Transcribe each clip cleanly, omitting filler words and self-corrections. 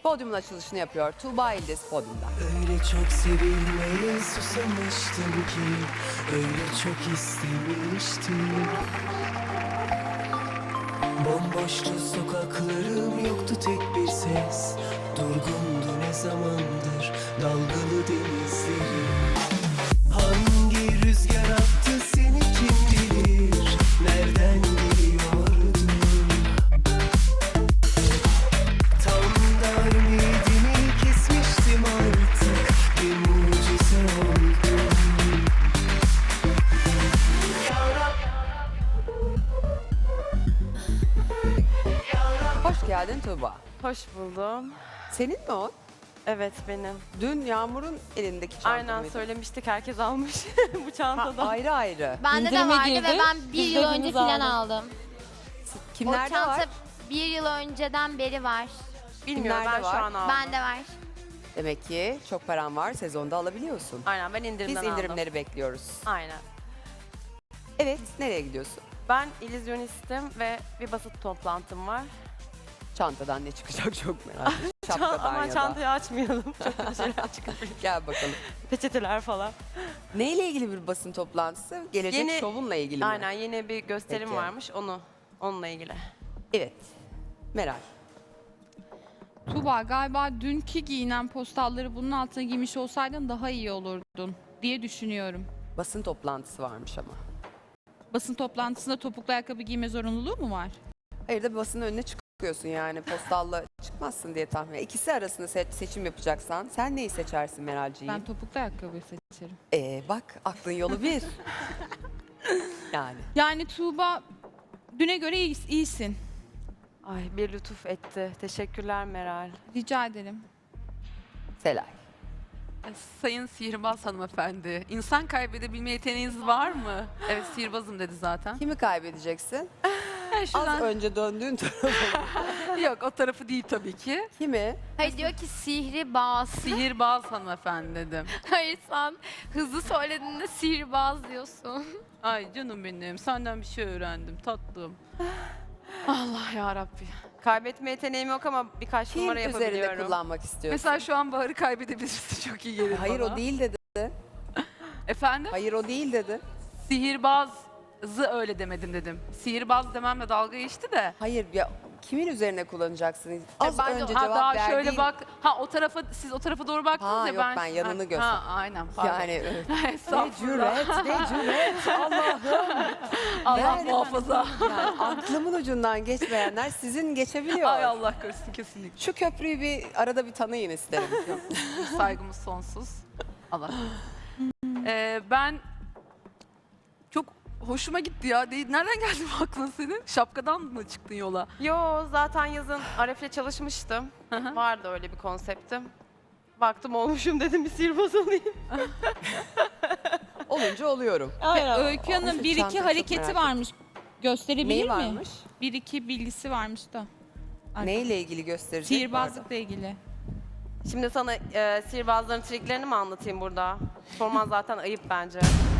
Podyumun açılışını yapıyor. Tuğba İldiz podyumda. Öyle çok sevilmeye susamıştım ki, öyle çok istemiştim. Bomboştu sokaklarım, yoktu tek bir ses. Durgundu ne zamandır dalgalı denizlerim. Hangi rüzgar attı seni kim bilir, nereden geliyordun? Tam da ümidimi kesmiştim artık, bir mucize oldun. Hoş geldin Tuğba. Hoş buldum. Senin mi o? Evet benim. Dün Yağmur'un elindeki çanta Aynen mıydı? söylemiştik, herkes almış bu Ha, çantadan. ayrı ayrı. Bende de İndirime vardı girdi. ve ben bir Biz yıl de önce hepimiz falan aldık. aldım. O Kimlerde çanta var? bir yıl önceden beri var. Bilmiyorum, ben Kimlerde şu var? an aldım. Bende var. Demek ki çok paran var, sezonda alabiliyorsun. Aynen, ben Biz indirimden indirimleri aldım. bekliyoruz. Aynen. Evet, nereye gidiyorsun? Ben illüzyonistim ve bir basın toplantım var. Çantadan ne çıkacak çok merak ediyorum. Şapkadan Aman ya da. çantayı açmayalım. Çok kötü şeyler çıkabilir. Gel bakalım. Peçeteler falan. Neyle ilgili bir basın toplantısı? Gelecek Yeni- şovunla ilgili mi? Aynen, yeni bir gösterim Peki. varmış, onunla ilgili. Evet. Meral. Tuğba, galiba dünkü giyinen postalları bunun altına giymiş olsaydın daha iyi olurdun diye düşünüyorum. Basın toplantısı varmış ama. Basın toplantısında topuklu ayakkabı giyme zorunluluğu mu var? Hayır da basının önüne çıkıyorsun yani. Postalla çıkmazsın diye tahmin ediyorum. İkisi arasında seçim yapacaksan sen neyi seçersin Meralciğim? Ben topuklu ayakkabıyı seçerim. Bak aklın yolu bir. Yani. Yani Tuğba, düne göre iyisin. Ay, bir lütuf etti. Teşekkürler Meral. Rica ederim. Selay. Sayın sihirbaz hanımefendi, insan kaybedebilme yeteneğiniz var mı? Evet, sihirbazım dedi zaten. Kimi kaybedeceksin? Az Şuradan- önce döndüğün tarafı. Yok, o tarafı değil tabii ki. Kimi? Hayır diyor ki sihirbaz. Sihirbaz hanımefendi dedim. Hayır sen hızlı söylediğinde sihirbaz diyorsun. Ay canım benim, senden bir şey öğrendim tatlım. Allah ya Rabbi. Kaybetme yeteneğim yok ama birkaç Kim numara üzerinde yapabiliyorum. kullanmak istiyorsun? Mesela şu an Bahar'ı kaybedebilirsin, çok iyi gelir Hayır bana. o değil dedi. Efendim? Hayır o değil dedi. Sihirbazı öyle demedim dedim. Sihirbaz dememle dalga geçti de. Hayır ya kimin üzerine kullanacaksın? Az Ben de- önce ha, cevap daha verdiğin... şöyle bak. Ha o tarafa, siz o tarafa doğru baktınız Ha, ya yok, ben yanını göster- Ha aynen. Pardon. Yani ne Estağfurullah. cüret, ne cüret. Allah'ım. Allah Yani- muhafaza. Yani aklımın ucundan geçmeyenler sizin geçebiliyor. Ay Allah korusun, kesinlikle. Şu köprüyü bir arada bir tanıyın isterim. Saygımız sonsuz. Allah korusun. Ben çok hoşuma gitti ya. Nereden geldi bu aklın senin? Şapkadan mı çıktın yola? Yo, zaten yazın Aref'le çalışmıştım. Hı hı. Vardı öyle bir konseptim. Baktım olmuşum, dedim bir sihirbaz olayım. Olunca oluyorum. Öykü Hanım Şu bir çanta iki çok hareketi merak varmış. Gösterebilir Neyi mi? varmış? Bir iki bilgisi varmış da. Neyle ilgili gösterecek? Sihirbazlıkla ilgili. Şimdi sana sihirbazların triklerini mi anlatayım burada? Sorman zaten ayıp bence.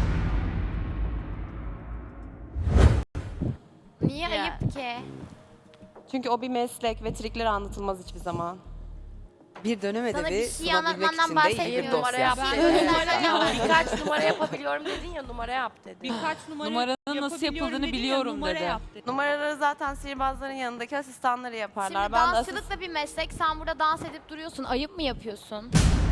Niye Ya. ayıp ki? Çünkü o bir meslek ve trikleri anlatılmaz hiçbir zaman. Bir dönem Sana edebi bir şey sunabilmek anlatmandan için de iyi bir bahsetmiyorum. dosya. Birkaç numara yapabiliyorum dedin ya, numara yap dedi. Birkaç numara Numaranın nasıl yapabiliyorum yapıldığını dedin ya, biliyorum numara dedi. yap dedi. Numaraları zaten sihirbazların yanındaki asistanları yaparlar. Şimdi Ben de dansçılık da bir meslek. Sen burada dans edip duruyorsun. Ayıp mı yapıyorsun?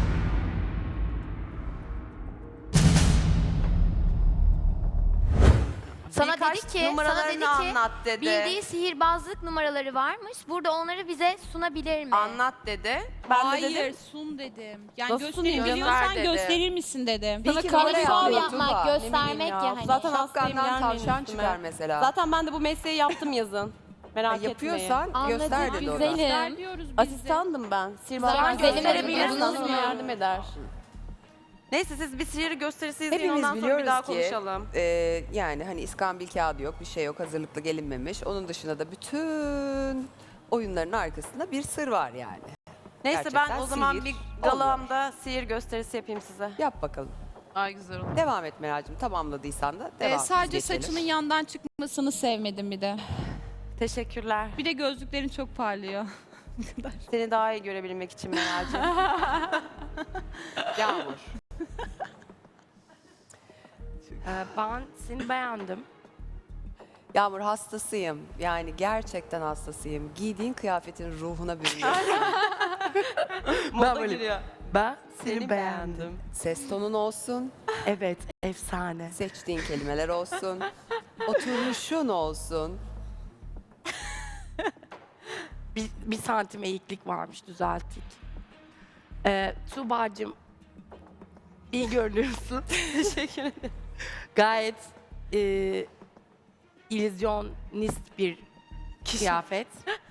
Sana birkaç dedi ki, sana numaralarını dedi ki anlat dedi. bildiği sihirbazlık numaraları varmış. Burada onları bize sunabilir mi? Anlat dedi. Ben de Hayır, dedim. sun dedim. Yani Nasıl sunayım? gösterebiliyorsan Göster dedi. gösterir misin dedim. Sana Peki kamera böyle şov yapıyor yapmak, Tuğba. göstermek ya hani. Zaten hastayım, Şapkandan gelmeyin tavşan üstüme. çıkar mesela. Zaten ben de bu mesleği yaptım yazın. Merak etmeyin. Yapıyorsan Anladım, göster dedi o da. güzelim. Göster diyoruz biz de. Asistandım ben. Sihirbazlar Zaman gösterebilirsin, gösterebilirsiniz sana mi? yardım eder. Neyse, siz bir sihir gösterisi izleyin, Hepimiz ondan sonra bir biliyoruz daha ki konuşalım. yani hani iskambil kağıdı yok, bir şey yok, hazırlıklı gelinmemiş. Onun dışında da bütün oyunların arkasında bir sır var yani. Neyse, gerçekten ben o zaman sihir bir oluyor. galamda sihir gösterisi yapayım size. Yap bakalım. Ay güzel oldu. Devam et Meral'cığım. Tamamladıysan da devam. Sadece Biz geçelim. saçının yandan çıkmasını sevmedim bir de. Teşekkürler. Bir de gözlüklerin çok parlıyor. Seni daha iyi görebilmek için Meral'cığım. Yağmur. Ben seni beğendim. Yağmur hastasıyım. Yani gerçekten hastasıyım. Giydiğin kıyafetin ruhuna bürünüyorsun. Moda giriyor. Ben seni beğendim. Ses tonun olsun, Evet, efsane. seçtiğin kelimeler olsun, oturuşun olsun. Bir santim eğiklik varmış, düzelttik. Tuğba'cığım, iyi görünüyorsun. Teşekkür ederim. Gayet illüzyonist bir kıyafet.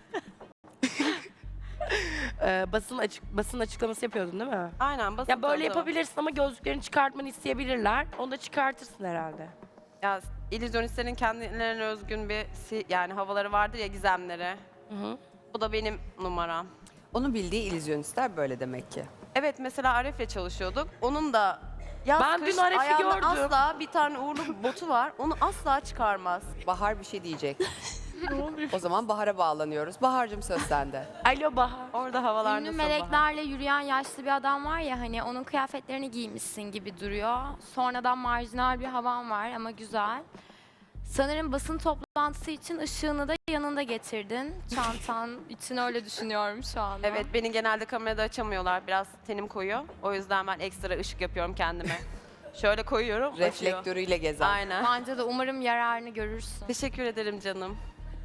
Basın açıklaması yapıyordun değil mi? Aynen basit Ya böyle oldu. yapabilirsin ama gözlüklerini çıkartmanı isteyebilirler. Onu da çıkartırsın herhalde. Ya illüzyonistlerin kendilerine özgün bir yani havaları vardır ya, gizemleri. Hı hı. Bu da benim numaram. Onu bildiği illüzyonistler böyle demek ki. Evet, mesela Aref'le çalışıyorduk. Onun da yaz Ben kış dün Aref'i ayağında gördüm. asla bir tane uğurlu botu var. Onu asla çıkarmaz. Bahar bir şey diyecek. O zaman Bahar'a bağlanıyoruz. Bahar'cığım söz sende. Alo Bahar. Orada havalar Ünlü nasıl meleklerle yürüyen yaşlı bir adam var ya hani onun kıyafetlerini giymişsin gibi duruyor. Sonradan marjinal bir havan var ama güzel. Sanırım basın toplantısı için ışığını da yanında getirdin. Çantan için öyle düşünüyorum şu anda. Evet, beni genelde kamerada açamıyorlar. Biraz tenim koyuyor. O yüzden ben ekstra ışık yapıyorum kendime. Şöyle koyuyorum, açıyor. Reflektörüyle gezen. Aynen. Bence de umarım yararını görürsün. Teşekkür ederim canım.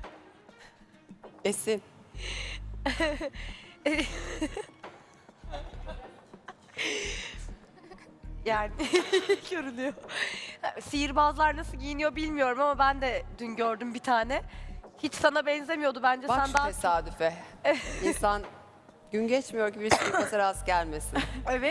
Esin. Yani görünüyor. Sihirbazlar nasıl giyiniyor bilmiyorum ama ben de dün gördüm bir tane. Hiç sana benzemiyordu bence. Bak Sen şu daha tesadüfe. İnsan gün geçmiyor ki bir sihirbaz'a rast gelmesin. evet.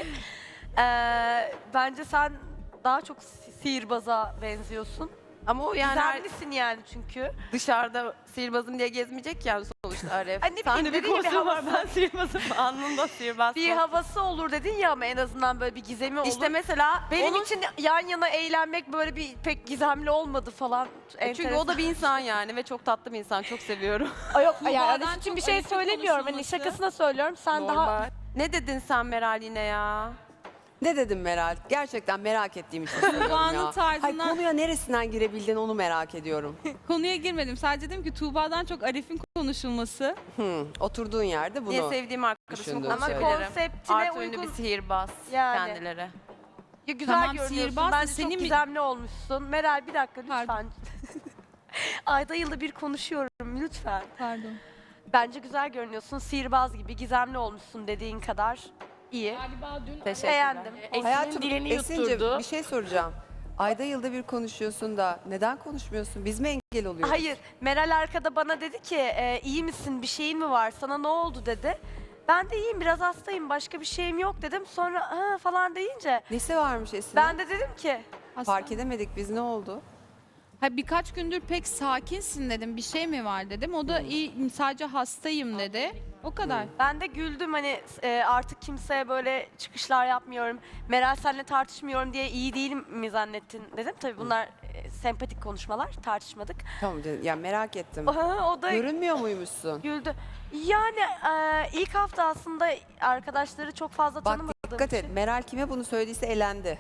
Bence sen daha çok sihirbaza benziyorsun. Ama o yani Gizemlisin yani çünkü. dışarıda sihirbazım diye gezmeyecek yani sonuçta Aref. Ay ne Sen bileyim, de bir dediğin gibi kostüm var, havası. ben sihirbazım. Alnımda sihirbaz. Bir havası olur dedin ya ama en azından böyle bir gizemi olur. İşte mesela benim onun- için yan yana eğlenmek böyle bir pek gizemli olmadı falan. Çünkü o da bir insan yani ve çok tatlı bir insan. Çok seviyorum. Ay yok yani Tuğba'dan Arif için bir çok şey Arif'in söylemiyorum. Hani konuşulması. şakasına söylüyorum. Sen daha Normal. Ne dedin sen Meral yine ya? Ne dedim Meral? Gerçekten merak ettiğim için soruyorum Tuğba'nın ya. tarzından- Hayır, konuya neresinden girebildin onu merak ediyorum. Konuya girmedim. Sadece dedim ki Tuğba'dan çok Arif'in konuşulması. Oturduğun yerde bunu. Diye sevdiğim arkadaşımı düşündüm. ama söylerim. konseptine Artı ünlü bir uygun. sihirbaz Yani. kendileri. Ya güzel Tamam, görünüyorsun. sihirbaz da Bence senin çok mi- gizemli olmuşsun. Meral bir dakika lütfen. Pardon. Ayda yılda bir konuşuyorum lütfen. Pardon. Bence güzel görünüyorsun. Sihirbaz gibi gizemli olmuşsun dediğin kadar iyi. Galiba dün Teşekkürler. Beğendim. Esin'in dilini Esin'cim, yutturdu. bir şey soracağım. Ayda yılda bir konuşuyorsun da neden konuşmuyorsun? Biz mi engel oluyoruz? Hayır, Meral arkada bana dedi ki iyi misin, bir şeyin mi var, sana ne oldu dedi. Ben de iyiyim, biraz hastayım, başka bir şeyim yok dedim. Sonra ha falan deyince Nesi varmış Esin'in? ben de dedim ki Fark edemedik biz, ne oldu? Ha, birkaç gündür pek sakinsin dedim. Bir şey mi var dedim. O da iyi, sadece hastayım dedi. O kadar. ben de güldüm hani artık kimseye böyle çıkışlar yapmıyorum. Meral seninle tartışmıyorum diye iyi değilim mi zannettin dedim. Tabii bunlar sempatik konuşmalar, tartışmadık. Tamam canım, ya merak ettim. O da Görünmüyor muymuşsun? güldü. Yani ilk hafta aslında arkadaşları çok fazla Bak tanımadığım dikkat et, için. Meral kime bunu söylediyse elendi.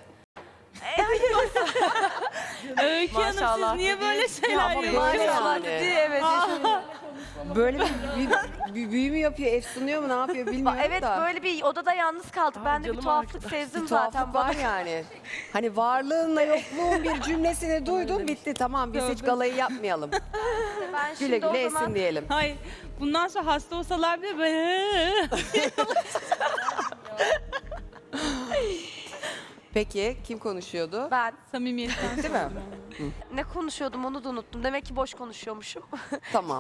Öykü Maşallah siz niye böyle şeyler ama böyle yapıyorsunuz? Maşallah yani. dedi, evet. Böyle bir büyü mü yapıyor, efsunuyor mu, ne yapıyor bilmiyorum Evet da. böyle bir odada yalnız kaldık. Ben de bir canım tuhaflık arkadaş. sezdim Bir zaten. tuhaflık var yani. Hani varlığınla yokluğun bir cümlesini duydum, bitti, tamam, biz hiç galayı yapmayalım. Ben Güle şimdi o güle zaman Esin diyelim. Hayır. Bundan sonra hasta olsalar bile böyle Peki kim konuşuyordu? ben samimiyetten. Değil mi? ne konuşuyordum onu da unuttum. Demek ki boş konuşuyormuşum. Tamam.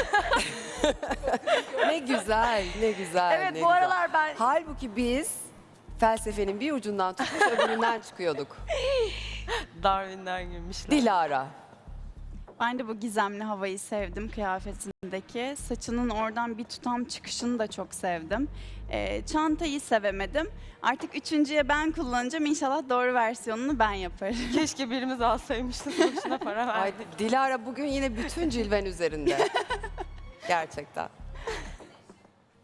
Ne güzel, ne güzel. Evet, ne bu güzel. aralar ben Halbuki biz felsefenin bir ucundan tutmuş öbüründen çıkıyorduk. Darwin'den girmişler. Dilara. Ben de bu gizemli havayı sevdim kıyafetindeki. Saçının oradan bir tutam çıkışını da çok sevdim. Çantayı sevemedim. Artık üçüncüye ben kullanacağım. İnşallah doğru versiyonunu ben yaparım. Keşke birimiz alsaymıştık, boşuna para Ay, verdik. Dilara bugün yine bütün cilven üzerinde. Gerçekten.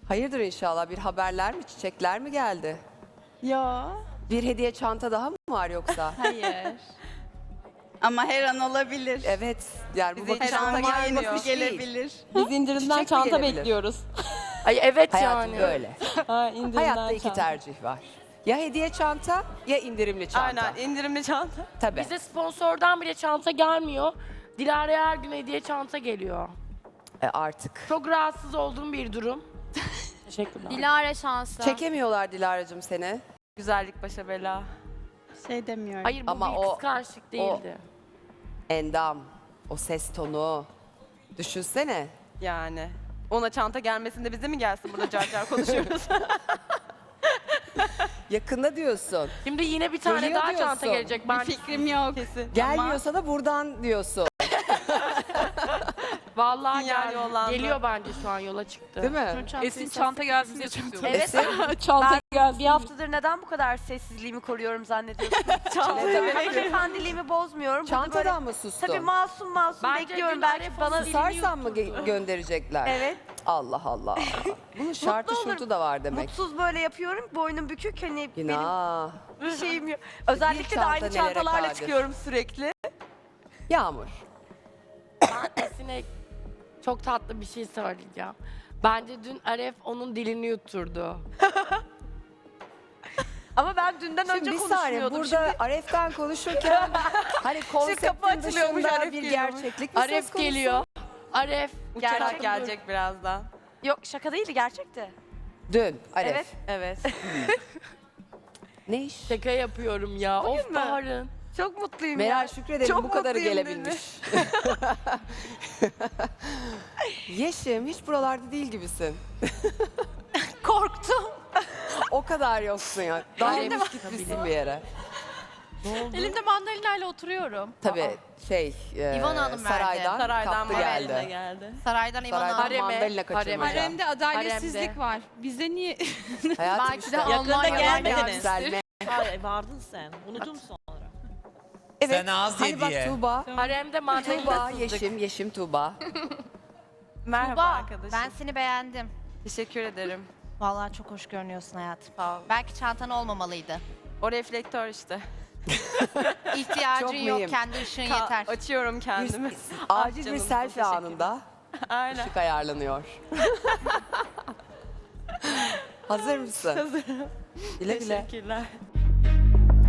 Hayırdır inşallah, bir haberler mi, çiçekler mi geldi? Ya. Bir hediye çanta daha mı var yoksa? Hayır. Ama her an olabilir. Evet, yani bu Bize hiç bakış çanta normal gelmiyor. bakış değil. Gelebilir. Biz indirimden Çiçek mi çanta gelebilir? bekliyoruz. Ay evet Hayatım yani. böyle. Ha, indirimden Hayatta iki çanta. tercih var. Ya hediye çanta ya indirimli çanta. Aynen indirimli çanta. Tabii. Bize sponsordan bile çanta gelmiyor. Dilara'ya her gün hediye çanta geliyor. Artık. Çok rahatsız olduğum bir durum. Teşekkürler. Dilara şansı. Çekemiyorlar Dilara'cığım seni. Güzellik başa bela. Şey demiyorum. Hayır bu Ama bir o- kıskançlık değildi. Endam, o ses tonu. Düşünsene. Yani. Ona çanta gelmesinde bize mi gelsin, burada car car konuşuyoruz. Yakında diyorsun. Şimdi yine bir tane Geliyor daha diyorsun. çanta gelecek. Ben Fikrim yok. Kesin. Gelmiyorsa da buradan diyorsun. vallahi Sinyal yollandı. geliyor bence şu an yola çıktı. Değil mi? Esin çanta gelsin diye tutuyorum. Evet. Çanta geldi. Bir haftadır neden bu kadar sessizliğimi koruyorum zannediyorsun? Hanımefendiliğimi bozmuyorum. Burada böyle Çantadan mı sustun? tabii masum Bence bekliyorum. dün Belki Arif bana onu Susarsan mı gönderecekler? Evet. Allah Allah. Bunun şartı Mutlu şurtu da var demek. Mutsuz böyle yapıyorum. Boynum bükük. Hani benim Günah. bir şeyim yok. Özellikle de çanta aynı nelere çantalarla kadir. çıkıyorum sürekli. Yağmur. Ben Esin'e çok tatlı bir şey söyleyeceğim. Bence dün Aref onun dilini yutturdu. Ama ben dünden Şimdi önce bir saniye konuşmuyordum. burada Aref'ten konuşurken hani kapı konseptin açılıyormuş, dışında Aref bir geliyormuş. gerçeklik mi söz Aref konusu? geliyor. Aref Uçarak Gerçek gelecek birazdan. Yok şaka değildi gerçekti. Dün Aref. Evet. Evet. Ne iş? şaka yapıyorum ya. Of mü? Bahar'ın. Çok mutluyum Meral ya. şükredelim Çok bu kadarı mutluyum gelebilmiş. Yeşim hiç buralarda değil gibisin. Korktum. O kadar yoksun ya. Dalmış gitmişsin bir yere. Elimde mandalinayla oturuyorum. Tabii İvan Hanım verdi. saraydan, Saraydan kaptı mandalina geldi. geldi. Saraydan İvan Saraydan Hanım. mandalina kaçırmaca. Haremde adaletsizlik Haremde. var. Bize niye? Hayatım Belki işte. de Almanya'dan gelmediniz. Yükselme. Hayır vardın sen. Unuttum sonra. Evet. Sen az Hani bak diye. Tuğba. Haremde mandalina Tuğba, sızdık. Yeşim Tuğba. Merhaba arkadaşım. Ben seni beğendim. Teşekkür ederim. Vallahi çok hoş görünüyorsun hayatım. Sağ ol. Belki çantan olmamalıydı. O reflektör işte. Çok İhtiyacın yok, mühim. kendi ışığın yeter. Açıyorum kendimi. Acil canım, bir çok selfie teşekkür anında Aynen. ışık ayarlanıyor. Hazır mısın? Hazırım. Güle güle. Teşekkürler.